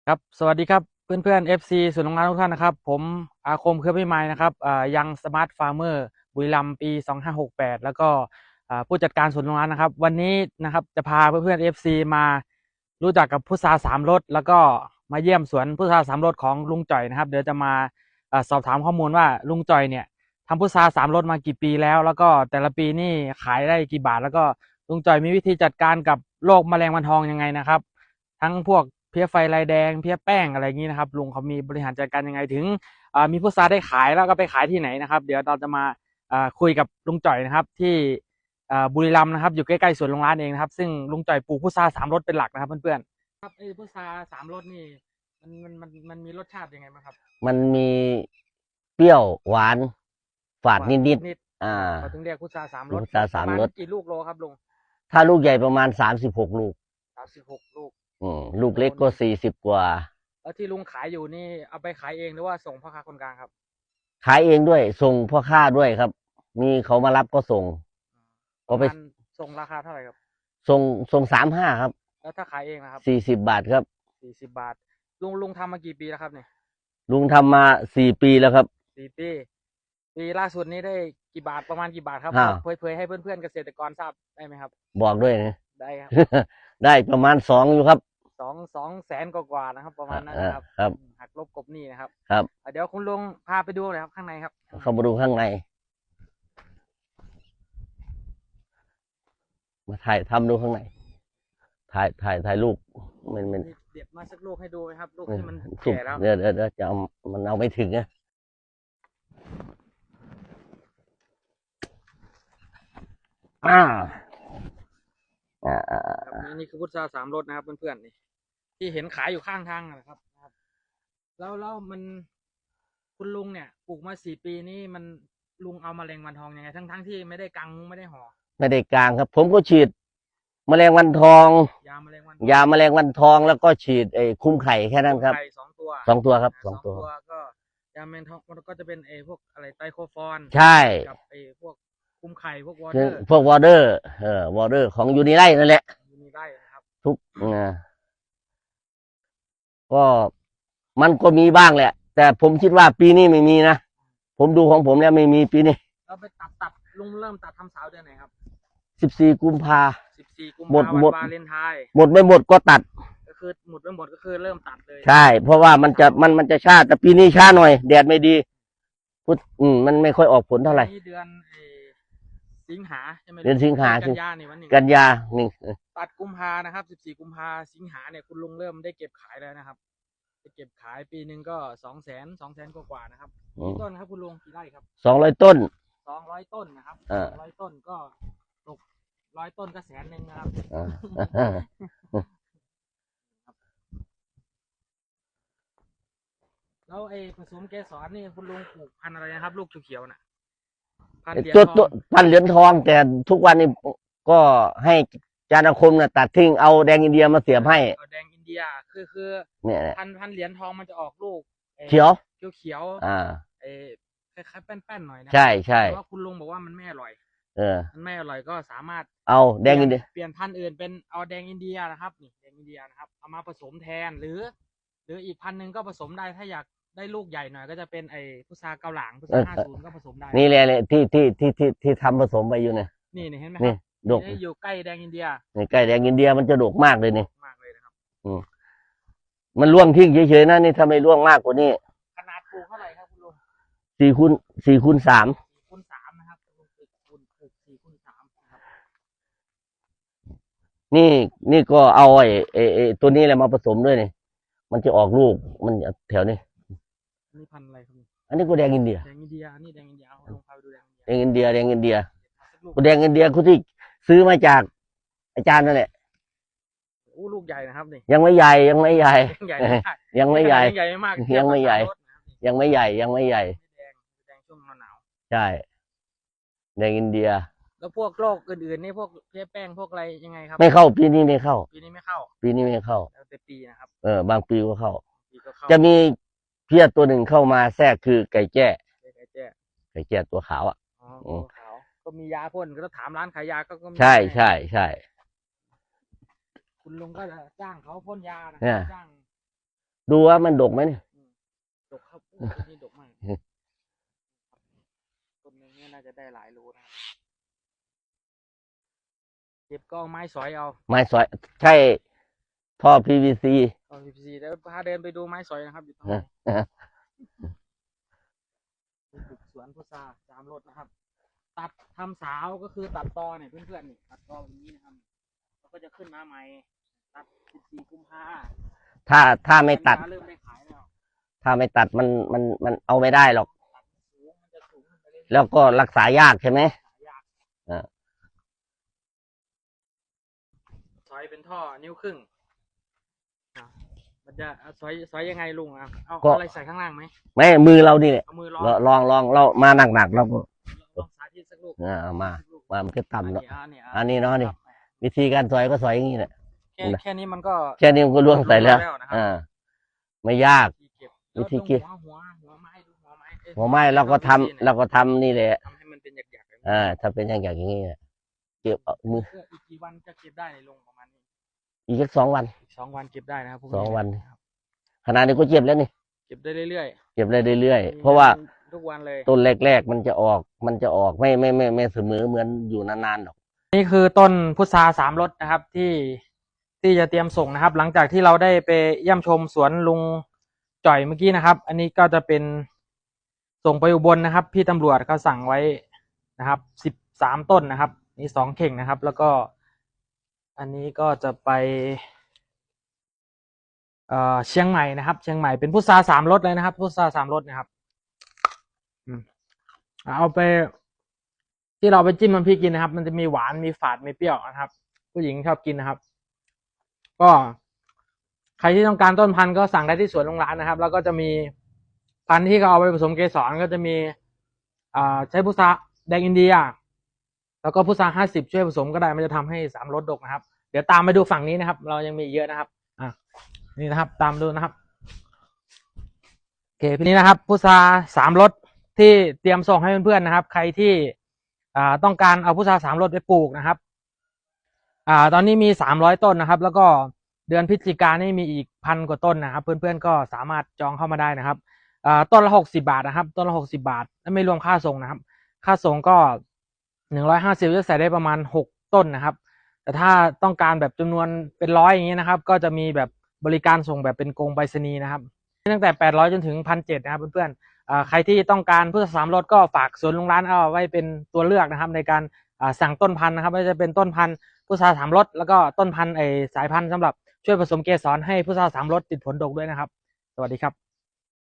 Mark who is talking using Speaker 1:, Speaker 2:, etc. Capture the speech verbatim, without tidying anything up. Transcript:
Speaker 1: ครับสวัสดีครับเพื่อนเพื่อน เอฟ ซี ส่วนย์โรงงานทุกท่านนะครับผมอาคมเครือพิมายนะครับอ่ายังสมาร์ทฟาร์มเมอร์บุรีรัมย์ปีสองห้าหกแปดแล้วก็อ่าผู้จัดการสวนโรงงานนะครับวันนี้นะครับจะพาเพื่อนเพื่อน เอฟ ซี มารู้จักกับพุทราสามรสแล้วก็มาเยี่ยมสวนพุทราสามรสของลุงจ่อยนะครับเดี๋ยวจะมาอ่าสอบถามข้อมูลว่าลุงจ่อยเนี่ยทำพุทราสามรสมากี่ปีแล้วแล้วก็แต่ละปีนี่ขายได้กี่บาทแล้วก็ลุงจ่อยมีวิธีจัดการกับโรคแมลงวันทองยังไงนะครับ ทั้งพวกเพี้ยไฟลายแดงเพี้ยแป้งอะไรอย่างนี้นะครับลุงเขามีบริหารจัดการยังไงถึงมีพุทราได้ขายแล้วก็ไปขายที่ไหนนะครับเดี๋ยวเราจะมาคุยกับลุงจ่อยนะครับที่บุรีรัมย์นะครับอยู่ใกล้ๆสวนลุงร้านเองนะครับซึ่งลุงจ่อยปลูกพุทราสามรสเป็นหลักนะครับเพื่อนๆครับไอ้พุทราสามรสนี่มันมันมันมันมีรสชาติยังไงบ้างครับ
Speaker 2: มันมีเปรี้ยวหวานฝาด
Speaker 1: หวาน
Speaker 2: นิด
Speaker 1: นิด
Speaker 2: ๆอ่า
Speaker 1: เขาถึงเรียกพุทราสามรส
Speaker 2: พุทรา
Speaker 1: ประมาณ
Speaker 2: สามรส
Speaker 1: กี่ลูกโลครับลุง
Speaker 2: ถ้าลูกใหญ่ประมาณสามสิบหกลูก
Speaker 1: สามสิบหกลูก
Speaker 2: อืมลูกเล็กก็สี่สิบกว่า
Speaker 1: แล้วที่ลุงขายอยู่นี่เอาไปขายเองหรือว่าส่งพ่อค้าคนกลางครับ
Speaker 2: ขายเองด้วยส่งพ่อค้าด้วยครับมีเขามารับก็ส่ง
Speaker 1: ประ
Speaker 2: ก็ไป
Speaker 1: มาณส่งราคาเท่าไหร่ครับ
Speaker 2: ส่งส่งสามห้าครับ
Speaker 1: แล้วถ้าขายเองนะครับ
Speaker 2: สี่สิบบาทครับ
Speaker 1: สี่สิบบาทลุงลุงทำมากี่ปีแล้วครับเนี่ย
Speaker 2: ลุงทำมาสี่ปีแล้วครับ
Speaker 1: สี่ปีปีล่าสุดนี้ได้กี่บาทประมาณกี่บาทครับ
Speaker 2: อ้าว
Speaker 1: เผยๆให้เพื่อนๆเกษตรกรทราบได้ไหมครับ
Speaker 2: บอกด้วยนะ
Speaker 1: ได้ครับ
Speaker 2: ได้ประมาณสองอยู่ครับ
Speaker 1: สองสองแสนกว่าๆนะครับประมาณนั้นนะครับ
Speaker 2: ครับ
Speaker 1: หักลบกบหนี้นะครับ
Speaker 2: ครับ
Speaker 1: เดี๋ยวคุณลุงพาไปดูเลยครับข้างในครับ
Speaker 2: เข้ามาดูข้างในมาถ่ายทำดูข้างในถ่ายถ่ายถ่ายรูปมันมัน
Speaker 1: เด็ดมาสักลูกให้ดูไหมครับลูกที่มันแก่ แล้ว
Speaker 2: เดี๋ยวเดี๋ยวเดี๋ยวจะเอามันเอาไม่ถึงนะอ่าอ่าอ่า
Speaker 1: นี่นี่คือพุทราสามรสนะครับเพื่อนๆนี่ที่เห็นขายอยู่ข้างทางนะครับแล้วแล้วมันคุณลุงเนี่ยปลูกมาสี่ปีนี่มันลุงเอาแมลงวันทองยังไงทั้งทั้งที่ไม่ได้กังไม่ได้ห่อ
Speaker 2: ไม่ได้กลางครับ ผมก็ฉีดแมลงวันทอง
Speaker 1: ยาแมลงวัน
Speaker 2: ยาแมลงวันทองแล้วก็ฉีดไอ้คุ้มไข่แค่นั้นครับ
Speaker 1: ไข่สองตัว
Speaker 2: สองตัวครับส
Speaker 1: ส
Speaker 2: องตัว
Speaker 1: องตัวก็ยาแมลงทองมันก็จะเป็นไอ้พวกอะไรไตโคฟอน
Speaker 2: ใช่
Speaker 1: กับไอ้พวกคุมไข่พวกวอเต
Speaker 2: คือ
Speaker 1: อร์
Speaker 2: พวกวอเตอร์เออวอเตอร์ของยูนิไลนั่นแหละ
Speaker 1: อยู่ในไร่นะครับ
Speaker 2: ทุกนะก็มันก็มีบ้างแหละ แต่ผมคิดว่าปีนี้ไม่มีนะ ผมดูของผมแล้วไม่มีปีนี้
Speaker 1: เราไปตัดตัดลุงเริ่มตัดทำสาวเดือนไหนครับ
Speaker 2: สิบสี่กุมภา
Speaker 1: สิบสี่กุม
Speaker 2: หมด
Speaker 1: ภาพัน
Speaker 2: หม
Speaker 1: ธ์
Speaker 2: ด
Speaker 1: วาเลนไทน์
Speaker 2: หมดไม่หมดก็ตัด
Speaker 1: ก็คือหมดไม่หมดก็คือเริ่มตัดเลย
Speaker 2: ใช่ เพราะว่ามันจะมันมันจะช้าแต่ปีนี้ช้าหน่อยแดดไม่ดีพุทอืมมันไม่ค่อยออกผลเท่าไหร่
Speaker 1: นี่เดือนสิงหาใช่ไหม
Speaker 2: เดือนสิงหา
Speaker 1: กันยานี่วันหนึ่ง
Speaker 2: กันยาหนึ่ง
Speaker 1: ตัดกุมภานะครับสิบสี่กุมภาสิงหาเนี่ยคุณลุงเริ่มได้เก็บขายแล้วนะครับจะเก็บขายปีหนึ่งก็สองแสนสองแสนกว่าๆนะครับกี่ต้นครับคุณลุงกี่ไร่ครับ
Speaker 2: สองร้อยต้น
Speaker 1: สองร้อยต้นนะครับสองร้อยต้นก็ตกร้อยต้นก็แสนหนึ่งนะครับแล้วไอ้ผสมเกสรนี่คุณลุงปลูกพันธุ์อะไรนะครับลูกเขียวๆน่ะพันธุ์เหรียญ
Speaker 2: ตัว
Speaker 1: ทอ
Speaker 2: ตัว
Speaker 1: ง
Speaker 2: พันเหรียญทองแต่ทุกวันนี้ก็ให้จานคมน่ะตัดทิ้งเอาแดงอินเดียมาเสียบให้
Speaker 1: แดงอินเดียคือคือ
Speaker 2: เนี่ย
Speaker 1: พันพันเหรียญทองมันจะออกลูก
Speaker 2: เขียว
Speaker 1: เขียวเขียว
Speaker 2: อ่า
Speaker 1: ไอ้คล้ายๆแป้นๆหน่อยนะ
Speaker 2: ใช่ใช่
Speaker 1: แต่ว่าคุณลุงบอกว่ามันไม่อร่อย
Speaker 2: เออ
Speaker 1: มันไม่อร่อยก็สามารถ
Speaker 2: เอาแดงอินเดีย
Speaker 1: เปลี่ยนพันธุ์อื่นเป็นเอาแดงอินเดียนะครับนี่แดงอินเดียนะครับเอามาผสมแทนหรือ หรืออีกพันธุ์หนึ่งก็ผสมได้ถ้าอยากได้ลูกใหญ่หน่อยก็จะเป็นไอ้พุทราเกาหลางพุทราห้าศูนย์ก็ผสมได้
Speaker 2: นี่แหละที่ที่ที่ที่ที่ทำผสมไปอยู่เนี่ย
Speaker 1: นี่เห็นไหมครับ
Speaker 2: ดก
Speaker 1: อยู่ใกล้แดงอินเดีย
Speaker 2: นี่ใกล้แดงอินเดียมันจะดกมากเลยนี่
Speaker 1: มากเลยนะครับ
Speaker 2: อืมมันร่วงทิ้งเฉยๆนะนี่ถ้าไม่ร่วงมากกว่านี้
Speaker 1: ขนาดปลูกเท่าไหร่ครับคุณลุง
Speaker 2: สี่คูณสี่คูณสาม
Speaker 1: สี่คูณสามนะครับลุงปลูกคูณสี่คูณสามนะครับ
Speaker 2: นี่นี่ก็เอาไอ้ไอ้ไอ้ตัวนี้แหละมาผสมด้วยนี่มันจะออกลูกมันแถวนี้
Speaker 1: นี่พันธุ์อะไรครับ
Speaker 2: อันนี้ก็แดงอินเดีย
Speaker 1: แดงอินเดียนี่แดงอินเดียเอาลงพาไปดูแดง
Speaker 2: แดงอินเดียแดงอินเดียแดงอินเดียคุณที่ซื้อมาจากอาจารย์นั่นแหละ
Speaker 1: อู้ลูกใหญ่นะครับนี่
Speaker 2: ยังไม่ใหญ่ยังไม่ใหญ่
Speaker 1: ยังไม่ใหญ่
Speaker 2: ยังไม่ใหญ่
Speaker 1: ใหญ่มาก
Speaker 2: ยังไม่ใหญ่ยังไม่ใหญ่ยังไม่ใหญ่
Speaker 1: แดงแดงช่วงหนาว
Speaker 2: ใช่แดงอินเดีย
Speaker 1: แล้วพวกโรคอื่นๆนี่พวกเพี้ยแป้งพวกอะไรยังไงครับ
Speaker 2: ไม่เข้าปีนี้ไม่เข้า
Speaker 1: ปีนี้ไม่เข้า
Speaker 2: ปีนี้ไม่เข้า
Speaker 1: แล้วแต่ปีนะครับ
Speaker 2: เออบางปีก็เข้าจะมีเพี้ยตัวหนึ่งเข้ามาแทรกคือไก่แจ้
Speaker 1: ไก่แจ้
Speaker 2: ไก่แจ้ตัวขาวอ่ะ
Speaker 1: ตัวขาวก็มียาพ่นก็ถามร้านขายยาก็ก็
Speaker 2: ใช่ใช่ใช่
Speaker 1: คุณลุงก็จะจ้างเขาพ่นยานะจ้าง
Speaker 2: ดูว่ามันดกไหมเนี่ย
Speaker 1: ดกครับอู้ต้นนี้ดกมากต้นหนึงเนี่ยน่าจะได้หลายโลนะครับเก็บก็เอาไม้สอยเอา
Speaker 2: ไม้สอยใช่ท่อ พี วี ซี
Speaker 1: เอาพีพีซีแล้วพาเดินไปดูไม้สอยนะครับอยู่ตรงไหนบุกสวนพุทราสามรถนะครับ ตัดทำสาวก็คือตัดตอเนี่ยเพื่อนๆนี่ตัดตอแบบนี้นะครับแล้วก็จะขึ้นมาใหม่ตัดสิบสี่กุมภา
Speaker 2: ถ้าถ้าไม่ตัด
Speaker 1: เริ่มได้ขายแล้ว
Speaker 2: ถ้าไม่ตัดมันมันมันเอาไม่ได้หรอก
Speaker 1: ตัดสูงมันจะสูงขึ้นไปเรื่อยๆ
Speaker 2: แล้วก็รักษายากใช่ไหม
Speaker 1: ขายยาก
Speaker 2: อ่า
Speaker 1: ซอยเป็นท่อนิ้วครึ่งอ่ะมันจะซอยซอยยังไงลุงอ่ะเอาเอาอะไรใส่ข้างล่างไหม
Speaker 2: ไม่มือเรานี่แหละ
Speaker 1: เอามือล้อ
Speaker 2: ลองลองเรามาหนักหนักๆเราก็
Speaker 1: ลองสาธิตสักลูก
Speaker 2: อ่าเอามา
Speaker 1: สักลูก
Speaker 2: มามันก็
Speaker 1: อัน
Speaker 2: ต่ำ
Speaker 1: นี้
Speaker 2: เนาะ
Speaker 1: อันนี้
Speaker 2: อันนี้เนาะนี่
Speaker 1: ครับ
Speaker 2: วิธีการสอยก็สอยอย่างนี้แหละ
Speaker 1: แค่แค่นี้มันก็
Speaker 2: แค่นี้มันก็ล่วงใส่แล้ว
Speaker 1: ล่วงนะครับ
Speaker 2: อ่า ไม่ยาก
Speaker 1: วิธีเก็บ
Speaker 2: วิธีเก็บ
Speaker 1: หัวหัวหัวไม้ดูหัวไม้เอ้ย
Speaker 2: หัวไม้เราก็ทำเราก็ทำนี่แหละ
Speaker 1: ทำให้มันเป็นหยักๆแบบนี้
Speaker 2: อ่า ถ้าเป็นอย่างอย่างนี้เนี่ยเก็บเอามือ
Speaker 1: เพื่ออีกกี่วันจะเก็บได้ในลงประมาณนี้
Speaker 2: อีกสักสองวัน
Speaker 1: อีกสองวันเก็บได้นะครับพวก
Speaker 2: สองวัน
Speaker 1: ครับ
Speaker 2: ขนาดนี้ก็เจ็บแล้วนี่
Speaker 1: เก็บได้เรื่อย
Speaker 2: เจ็บได้เรื่อย
Speaker 1: ๆ
Speaker 2: ๆเพราะว่า
Speaker 1: ทุกวันเลย
Speaker 2: ต้นแรกๆมันจะออก มันจะออกไม่ไม่ไม่ไม่เสมอเหมือนอยู่นานๆหรอก
Speaker 1: นี่คือต้นพุทราสามรสนะครับที่ที่จะเตรียมส่งนะครับ หลังจากที่เราได้ไปเยี่ยมชมสวนลุงจ่อยเมื่อกี้นะครับ อันนี้ก็จะเป็นส่งไปอุบลนะครับ พี่ตำรวจเขาสั่งไว้นะครับสิบสามต้นนะครับนี่สองเข่งนะครับ แล้วก็ อันนี้ก็จะไปเอ่อเชียงใหม่นะครับ เชียงใหม่เป็นพุทราสามรสเลยนะครับพุทราสามรสนะครับอืมเอาไป ที่เราไปจิ้มน้ำพริกกินนะครับ มันจะมีหวานมีฝาดมีเปรี้ยวนะครับ ผู้หญิงชอบกินนะครับ ก็ใครที่ต้องการต้นพันธุ์ก็สั่งได้ที่สวนโรงร้านนะครับ แล้วก็จะมีพันธุ์ที่เขาเอาไปผสมเกสรก็จะมีอ่าใช้พุทราแดงอินเดีย แล้วก็พุทราห้าสิบช่วยผสมก็ได้มันจะทำให้สามรสดกนะครับ เดี๋ยวตามไปดูฝั่งนี้นะครับ เรายังมีเยอะนะครับอ่ะนี่นะครับ ตามดูนะครับโอเคทีนี้นะครับพุทราสามรสที่เตรียมส่งให้เพื่อนๆนะครับ ใครที่อ่าต้องการเอาพุทราสามรสไปปลูกนะครับ อ่า ตอนนี้มีสามร้อยต้นนะครับ แล้วก็เดือนพฤศจิกายนนี่มีอีกพันกว่าต้นนะครับ เพื่อนๆก็สามารถจองเข้ามาได้นะครับ อ่า ต้นละหกสิบาทนะครับ ต้นละหกสิบาทและไม่รวมค่าส่งนะครับ ค่าส่งก็หนึ่งร้อยห้าสิบจะใส่ได้ประมาณหกต้นนะครับ แต่ถ้าต้องการแบบจำนวนเป็นร้อยอย่างนี้นะครับ ก็จะมีแบบบริการส่งแบบเป็นกรงไปรษณีย์นะครับตั้งแต่แปดร้อยจนถึงพันเจ็ดนะครับเพื่อนๆอ่า ใครที่ต้องการพุทราสามรสก็ฝากสวนลุงร้านเอาไว้เป็นตัวเลือกนะครับ ในการอ่าสั่งต้นพันธุ์นะครับไม่ว่าจะเป็นต้นพันธุ์พุทราสามรสแล้วก็ต้นพันธุ์ไอสายพันธุ์สำหรับช่วยผสมเกสรให้พุทราสามรสติดผลดกด้วยนะครับ สวัสดีครับ